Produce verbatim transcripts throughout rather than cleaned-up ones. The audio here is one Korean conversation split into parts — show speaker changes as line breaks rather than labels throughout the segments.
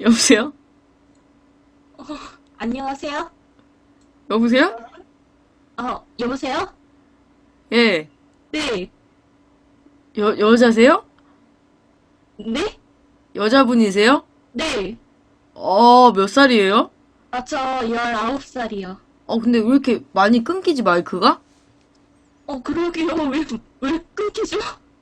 여보세요?
어, 안녕하세요?
여보세요?
어, 여보세요?
예.
네,
여, 여자세요?
네?
여자분이세요?
네.
어, 몇 살이에요?
아, 저 열아홉 살이요.
어, 근데 왜 이렇게 많이 끊기지, 마이크가?
어, 그러게요. 왜, 왜 끊기죠?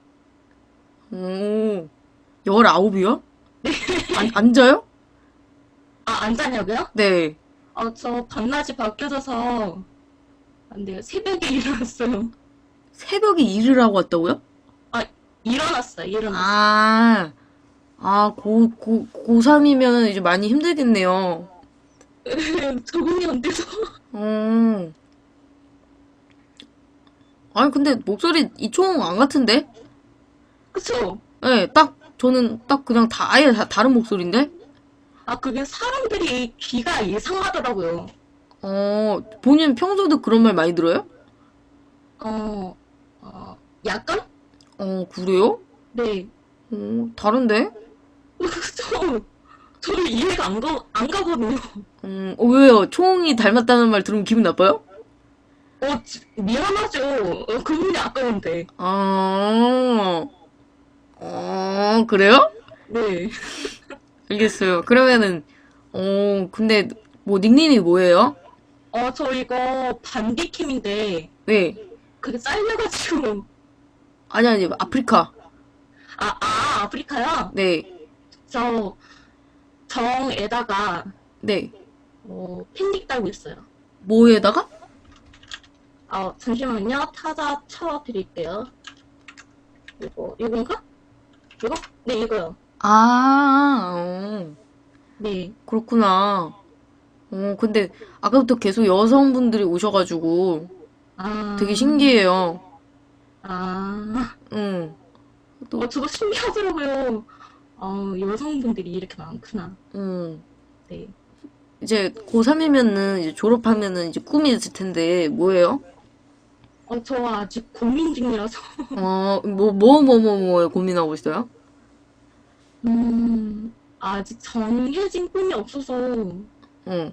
오, 열아홉이요? 안, 앉아요?
아, 안 자냐고요?
네.
아, 저 밤낮이 바뀌어져서 안 돼요. 새벽에 일어났어요.
새벽에 일을 하고 왔다고요?
아, 일어났어요. 일어났어요.
아, 아, 고, 고, 고삼이면 이제 많이 힘들겠네요.
적응이 안 돼서.
어, 아니, 근데 목소리 이총 안 같은데?
그쵸?
예, 딱, 저는 딱 그냥 다, 아예 다, 다른 목소리인데?
아, 그게 사람들이 귀가 이상하더라고요.
어, 본인 평소도 그런 말 많이 들어요?
어, 어, 약간?
어, 그래요?
네.
어, 다른데?
저, 저도 이해가 안 가, 안 가거든요.
음, 어, 왜요? 총이 닮았다는 말 들으면 기분 나빠요?
어, 지- 미안하죠. 어, 그분이 아까운데.
아, 어, 그래요?
네.
알겠어요. 그러면은, 어, 근데, 뭐, 닉네임이 뭐예요?
어, 저 이거 반디킴인데,
네.
그게 잘려가지고.
아니, 아니, 아프리카.
아, 아, 아프리카요?
네.
저 정에다가,
네.
어, 팬딕 달고 있어요.
뭐에다가?
아, 잠시만요. 타자 쳐드릴게요. 이거, 이건가? 이거? 네, 이거요.
아, 어,
네.
그렇구나. 어, 근데, 아까부터 계속 여성분들이 오셔가지고, 되게
아,
신기해요.
아.
응. 또,
어, 저도 신기하더라고요. 어, 여성분들이 이렇게 많구나.
응.
네.
이제 고삼이면은 이제 졸업하면은 이제 꿈이 있을 텐데 뭐예요?
어, 저 아직 고민 중이라서.
어, 뭐, 뭐, 뭐, 뭐, 뭐 고민하고 있어요?
음, 아직 정해진 꿈이 없어서,
응.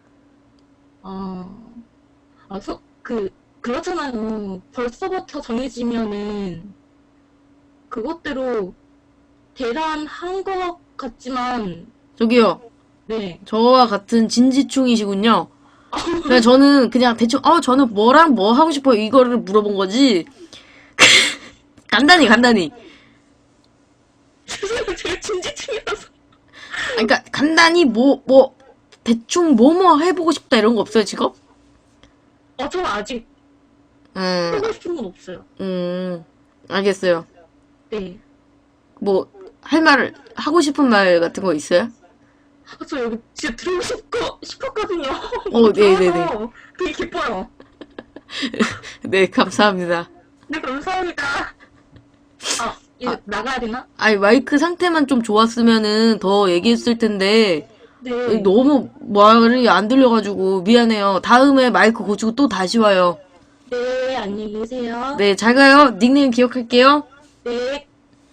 어, 아, 서, 그, 그렇잖아요. 벌써부터 정해지면은, 그것대로 대단한 것 같지만,
저기요.
네.
저와 같은 진지충이시군요. 그냥 저는 그냥 대충, 어, 저는 뭐랑 뭐 하고 싶어요. 이거를 물어본 거지. 간단히, 간단히.
죄송해요. 제가 진지충이라서.
아, 그러니까 간단히 뭐, 뭐, 대충 뭐 뭐 해보고 싶다 이런 거 없어요, 지금?
어, 저 아직
음,
하고 싶은 건 없어요.
음, 알겠어요.
네.
뭐, 할 말, 하고 싶은 말 같은 거 있어요?
아, 저 여기 진짜 들어오고 싶고, 싶었거든요.
어, 네네네.
들어와서 되게 기뻐요.
네, 감사합니다.
네, 감사합니다. 아, 이거
아,
나가야 되나?
아니, 마이크 상태만 좀 좋았으면은 더 얘기했을 텐데,
네.
너무 말이 안 들려가지고 미안해요. 다음에 마이크 고치고 또 다시 와요.
네, 안녕히 계세요.
네, 잘 가요. 닉네임 기억할게요.
네.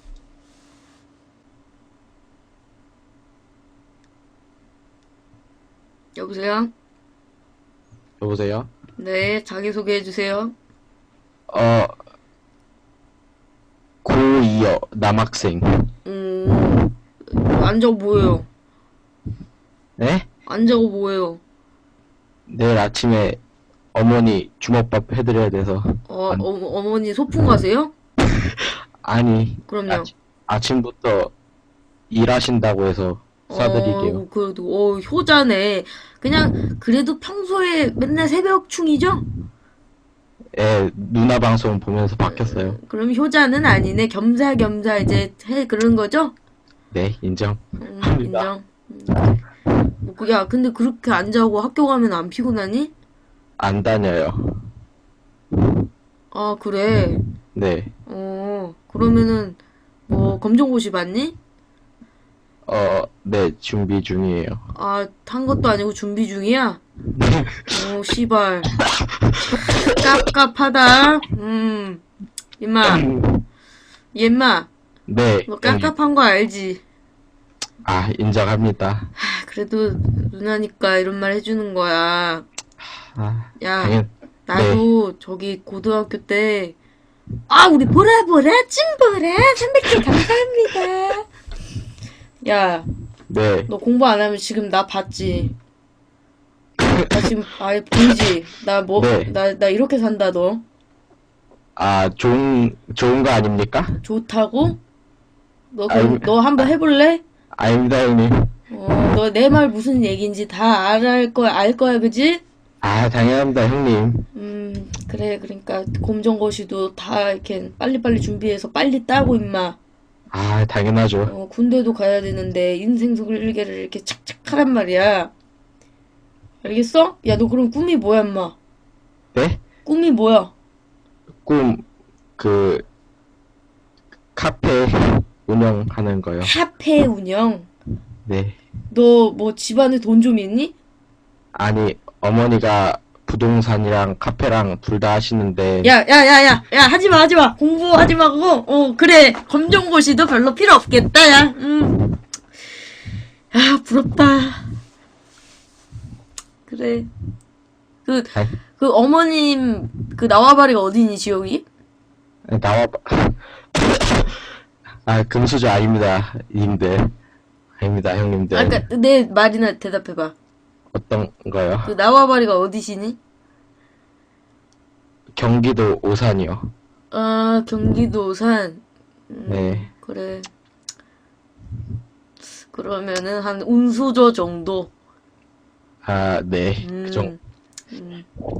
여보세요?
여보세요?
네, 자기소개해주세요.
어, 고이요, 남학생.
음, 안 적어 보여요.
네?
안 적어 보여요.
내일 아침에 어머니 주먹밥 해드려야 돼서.
어,
안,
어, 어머니 소풍 가세요?
아니,
그럼요.
아침, 아침부터 일하신다고 해서 싸드릴게요.
어, 그래도, 어, 효자네. 그냥, 그래도 평소에 맨날 새벽충이죠?
예, 누나 방송 보면서 바뀌었어요.
그럼 효자는 아니네. 겸사겸사 이제 해, 그런 거죠?
네, 인정.
음,
합니다.
인정. 음, 그래. 뭐, 그- 야, 근데 그렇게 안 자고 학교 가면 안 피곤하니?
안 다녀요.
아, 그래.
네.
어, 그러면은, 뭐, 검정고시 봤니?
어, 네, 준비 중이에요.
아, 탄 것도 아니고 준비 중이야? 어, 씨발. 깝깝하다. 음, 임마, 임마,
네,
너
형님.
깝깝한 거 알지?
아, 인정합니다.
아, 그래도 누나니까 이런 말 해주는 거야.
아,
야,
당연,
나도 저기 고등학교 때, 아, 우리 보라보라, 찐보라, 삼백 개 감사합니다. 야,
네.
너 공부 안 하면 지금 나 봤지? 나 지금 아예 보이지? 나 뭐,
네.
나, 나 이렇게 산다, 너.
아, 좋은, 좋은 거 아닙니까?
좋다고? 너,
아이,
그럼 너 한번 해볼래?
아닙니다, 형님.
어, 너 내 말 무슨 얘기인지 다 알 거야, 알 거야, 그지?
아, 당연합니다, 형님.
음, 그래, 그러니까, 검정고시도 다 이렇게 빨리빨리 준비해서 빨리 따고, 임마.
아, 당연하죠.
어, 군대도 가야 되는데, 인생 설계를 이렇게 착착 하란 말이야. 알겠어? 야, 너 그럼 꿈이 뭐야, 임마?
네?
꿈이 뭐야?
꿈, 그, 카페 운영하는 거요.
카페 운영.
네.
너 뭐 집안에 돈 좀 있니?
아니, 어머니가 부동산이랑 카페랑 둘 다 하시는데,
야, 야, 야, 야, 야, 하지 마, 하지 마. 공부하지 말고, 어, 그래. 검정고시도 별로 필요 없겠다, 야. 음. 아, 부럽다. 그래. 그,
아이,
그 어머님, 그 나와바리가 어디니, 지역이?
나와, 아, 금수저 아닙니다, 님들. 아닙니다, 형님들.
아, 그니까, 내 말이나 대답해봐.
어떤 거요?
그 나와바리가 어디시니?
경기도 오산이요.
아, 경기도 오산. 음,
네.
그래. 그러면은 한 운수저 정도.
아, 네.
음,
그 정,
음.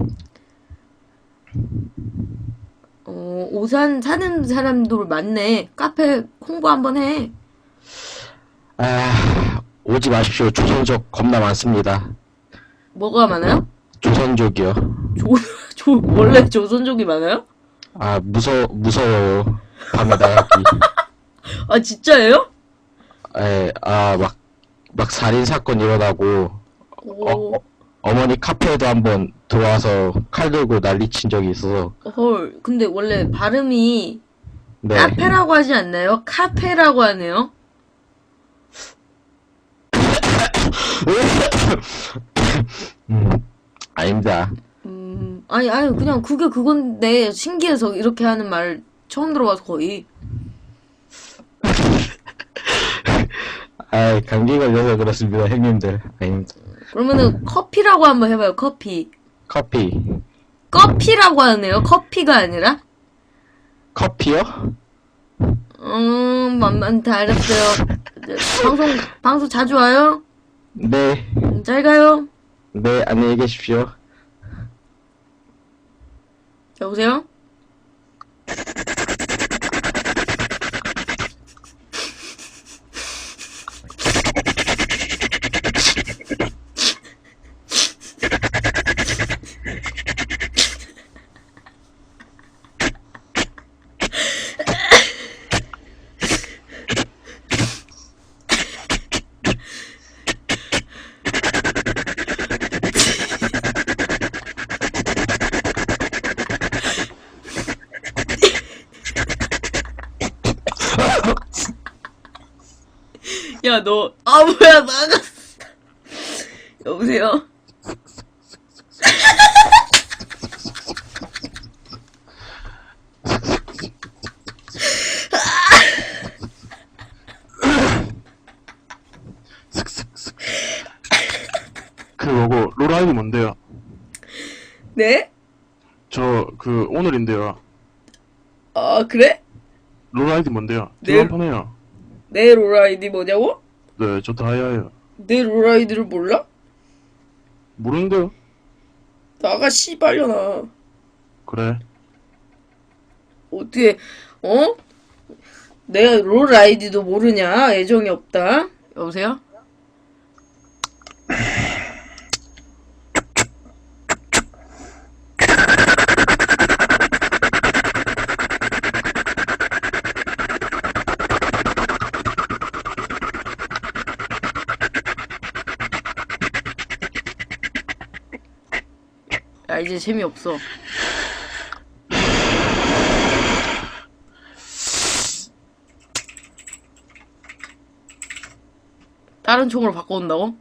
어, 오산 사는 사람들 많네. 카페 홍보 한번 해.
아, 오지 마십시오. 조선족 겁나 많습니다.
뭐가 많아요?
조선족이요.
조, 조, 원래 조선족이 많아요?
아, 무서, 무서워요. 밤에 나가기.
아, 진짜예요?
에, 아, 막, 막 살인사건 일어나고, 어,
오,
어, 어머니 카페에도 한번 들어와서 칼 들고 난리친 적이 있어서,
헐. 근데 원래 발음이
네.
카페라고 하지 않나요? 카페라고 하네요.
음, 아닙니다.
음, 아니, 아니, 그냥 그게 그건데, 신기해서 이렇게 하는 말 처음 들어봐서 거의.
아, 감기 걸려서 그렇습니다, 형님들. 아닙니다.
그러면은 커피라고 한번 해봐요, 커피.
커피.
커피라고 하네요, 커피가 아니라.
커피요?
음, 만만치 알았어요. 이제 방송, 방송 자주 와요?
네.
음, 잘 가요.
네, 안녕히 계십시오.
여보세요? 야, 너, 아, 뭐야, 나갔어. 여보세요?
그 뭐고 롤 아이디 뭔데요?
네?
저 그 오늘인데요.
아, 그래?
롤 아이디 뭔데요?
네.
팀 한판 해요.
내 롤 아이디 뭐냐고?
네, 저 다이아예요.
내 롤 아이디를 몰라?
모르는데요?
나가, 씨발려나.
그래.
어떻게, 어? 내 롤 아이디도 모르냐? 애정이 없다. 여보세요? 야, 이제 재미없어. 다른 총으로 바꿔온다고?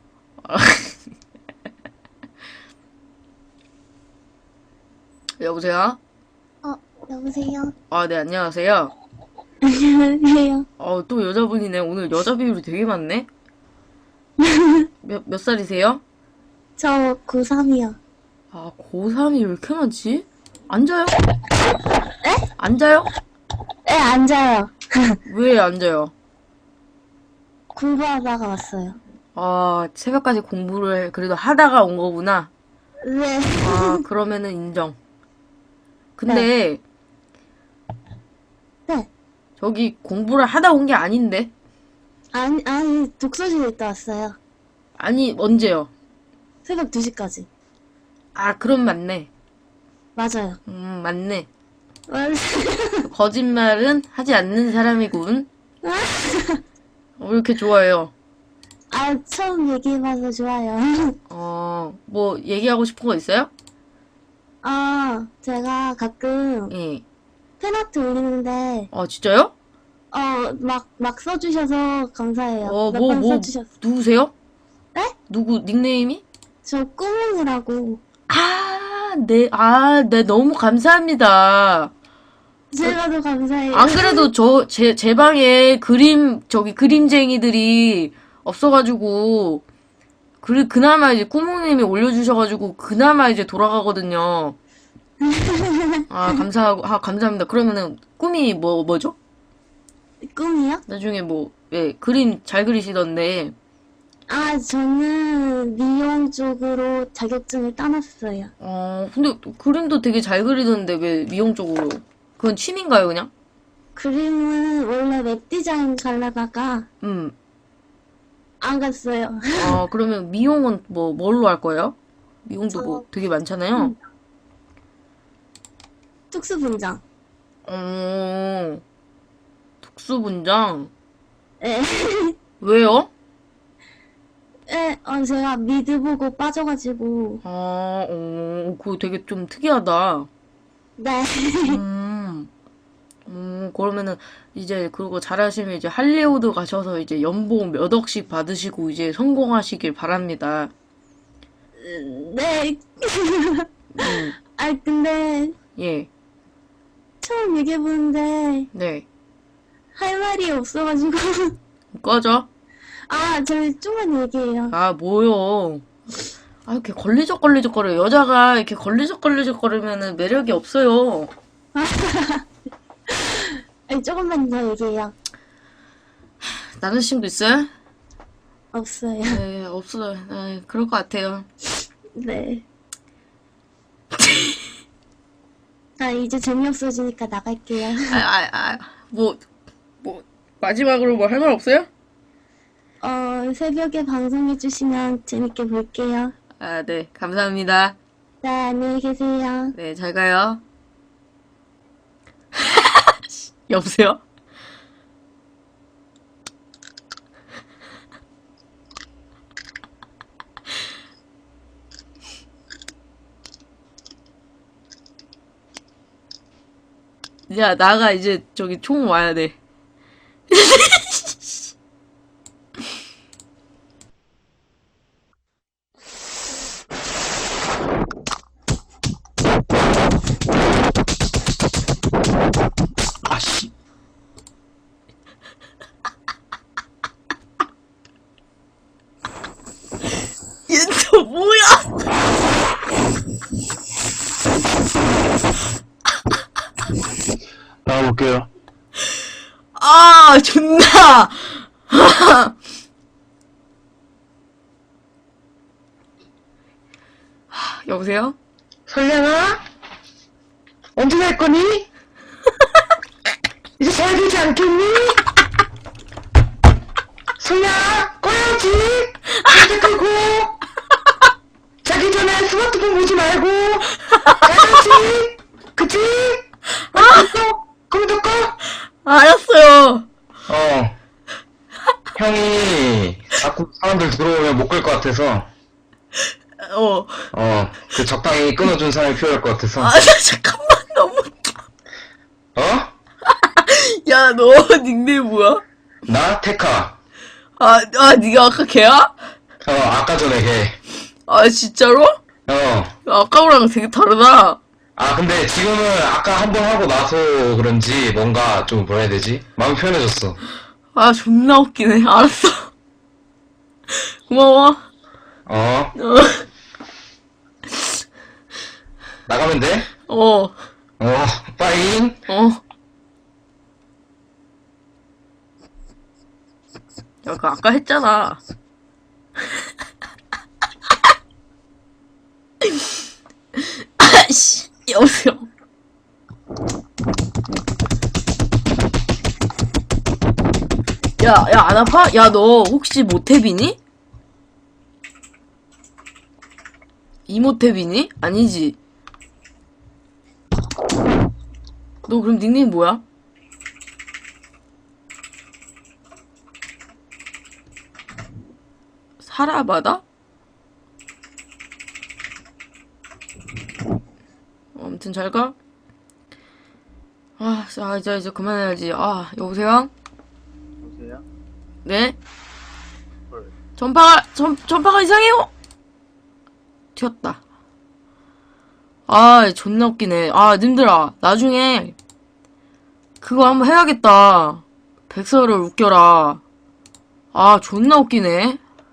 여보세요?
어, 여보세요?
아, 네, 안녕하세요.
안녕하세요.
어, 또 여자분이네. 오늘 여자 비율이 되게 많네? 몇, 몇 살이세요?
저 고삼이요.
아, 고삼이 왜 이렇게 많지? 앉아요? 에? 앉아요?
네, 앉아요.
왜 앉아요?
공부하다가 왔어요.
아, 새벽까지 공부를 그래도 하다가 온 거구나.
네.
아, 그러면은 인정. 근데,
네.
저기 공부를 하다 온 게 아닌데?
아니, 아니, 독서실에 있다 왔어요.
아니, 언제요?
새벽 두 시까지.
아, 그럼 맞네.
맞아요.
음, 맞네.
맞아요.
거짓말은 하지 않는 사람이군. 어, 왜 이렇게 좋아해요?
아, 처음 얘기해봐서 좋아요.
어, 뭐, 얘기하고 싶은 거 있어요?
아, 제가 가끔
예.
팬아트 올리는데,
어, 진짜요?
어, 막, 막 써주셔서 감사해요.
어,
몇
뭐,
번
뭐,
써주셨어.
누구세요?
네?
누구, 닉네임이?
저 꾸몽이라고.
아, 네, 아, 네, 너무 감사합니다.
제가 더 감사해요.
안 그래도 저, 제, 제 방에 그림, 저기 그림쟁이들이 없어가지고, 그, 그나마 이제 꾸몽님이 올려주셔가지고, 그나마 이제 돌아가거든요. 아, 감사하고, 아, 감사합니다. 그러면은, 꿈이 뭐, 뭐죠?
꿈이요?
나중에 뭐, 예, 그림 잘 그리시던데,
아, 저는 미용 쪽으로 자격증을 따놨어요.
어, 근데 그림도 되게 잘 그리던데, 왜 미용 쪽으로? 그건 취미인가요, 그냥?
그림은 원래 웹 디자인 가려다가
음,
안 갔어요.
아, 그러면 미용은 뭐, 뭘로 할 거예요? 미용도
저-
뭐 되게 많잖아요.
음. 특수분장.
어, 특수분장?
예.
왜요?
예, 어, 제가 미드 보고 빠져가지고.
아, 어, 그거 되게 좀 특이하다.
네.
음, 음, 그러면은, 이제, 그거 잘하시면 이제 할리우드 가셔서 이제 연봉 몇 억씩 받으시고 이제 성공하시길 바랍니다.
네.
음,
아, 근데
예,
처음 얘기해보는데
네.
할 말이 없어가지고.
꺼져.
아, 저희 좀만 얘기해요.
아, 뭐요. 아, 이렇게 걸리적걸리적거려. 여자가 이렇게 걸리적걸리적거리면은 매력이 없어요.
아니, 조금만 더 얘기해요.
남자친구 있어요?
없어요.
네, 없어요. 네, 그럴 것 같아요.
네. 아, 이제 재미없어지니까 나갈게요.
아, 아, 아, 뭐, 뭐, 마지막으로 뭐 할 말 없어요?
어, 새벽에 방송해주시면 재밌게 볼게요.
아, 네, 감사합니다.
네, 안녕히 계세요.
네, 잘 가요. 여보세요? 야, 나가 이제 저기 총 와야 돼.
아씨.
얘 또 뭐야?
나가볼게요.
아, 존나! 여보세요?
설량아? 언제 갈 거니? 이제 잘 되지 않겠니? 설량아, 꺼야지! 이제 끄고! 자기 전에 스마트폰 보지 말고! 자야지! 그치? 아! 컴퓨터 꺼!
알았어요.
어. 형이 자꾸 사람들 들어오면 못 끌 것 같아서,
어.
어, 그 적당히 끊어준 사람이 필요할 것 같아서.
아, 잠깐만, 너무.
어?
야, 너 닉네임 뭐야?
나? 테카.
아, 아, 네가 아까 걔야?
어, 아까 전에 걔.
아, 진짜로?
어.
아까랑 되게 다르다.
아, 근데 지금은 아까 한 번 하고 나서 그런지 뭔가 좀 뭐라 해야 되지? 마음이 편해졌어.
아, 존나 웃기네. 알았어. 고마워.
어. 나가면 돼?
어,
어, 빠잉.
어. 야, 그 아까 했잖아. 아씨, 여보세요. 야, 야, 안 아파? 야, 너 혹시 모태비니? 이모태비니? 아니지. 너 그럼 닉네임 뭐야? 사라바다? 어, 아무튼 잘 가. 아, 자, 이제, 이제 그만해야지. 아, 여보세요?
여보세요?
네?
헐.
전파가, 전, 전파가 이상해요! 튀었다. 아, 존나 웃기네. 아, 님들아, 나중에, 그거 한번 해야겠다. 백설을 웃겨라. 아, 존나 웃기네.